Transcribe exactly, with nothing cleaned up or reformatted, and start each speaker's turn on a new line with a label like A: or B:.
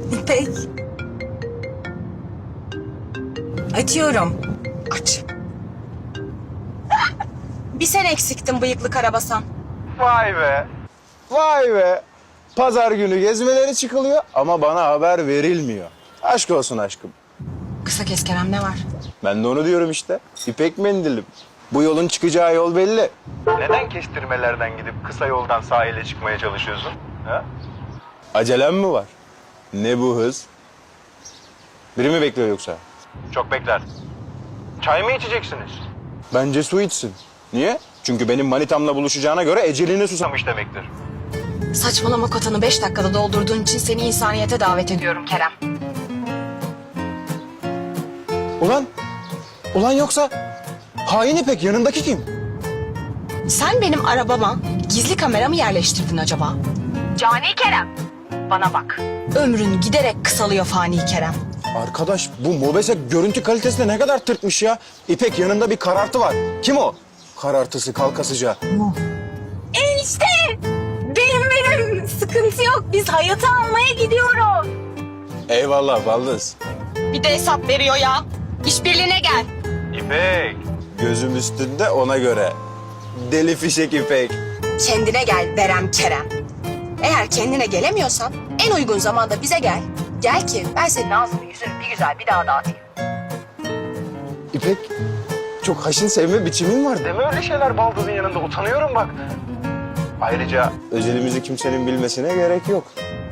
A: İpek. Açıyorum. Aç. Bir sen eksiktin bıyıklı karabasan.
B: Vay be. Vay be. Pazar günü gezmeleri çıkılıyor ama bana haber verilmiyor. Aşk olsun aşkım.
A: Kısa kes Kerem, ne var?
B: Ben de onu diyorum işte. İpek mendilim. Bu yolun çıkacağı yol belli. Neden kestirmelerden gidip kısa yoldan sahile çıkmaya çalışıyorsun? Ha? Acelem mi var? Ne bu hız? Biri mi bekliyor yoksa? Çok bekler. Çay mı içeceksiniz? Bence su içsin. Niye? Çünkü benim manitamla buluşacağına göre eceline susamış demektir.
A: Saçmalama kotanı beş dakikada doldurduğun için seni insaniyete davet ediyorum Kerem.
B: Ulan, ulan yoksa hain İpek yanındaki kim?
A: Sen benim arabama gizli kamera mı yerleştirdin acaba? Cani Kerem, bana bak. Ömrün giderek kısalıyor fani Kerem.
B: Arkadaş bu Mobese görüntü kalitesine ne kadar tırtmış ya. İpek yanında bir karartı var. Kim o? Karartısı kalkasıca.
A: Enişte! Benim benim sıkıntı yok. Biz hayatı almaya gidiyoruz.
B: Eyvallah baldız.
A: Bir de hesap veriyor ya. İşbirliğine gel.
B: İpek. Gözüm üstünde ona göre. Deli fişek İpek.
A: Kendine gel Berem Kerem. Eğer kendine gelemiyorsan en uygun zamanda bize gel. Gel ki ben senin ağzını yüzünü bir güzel bir daha dağıtayım.
B: İpek çok haşin sevme biçimin var. Deme öyle şeyler baldızın yanında utanıyorum bak. Ayrıca özelimizi kimsenin bilmesine gerek yok.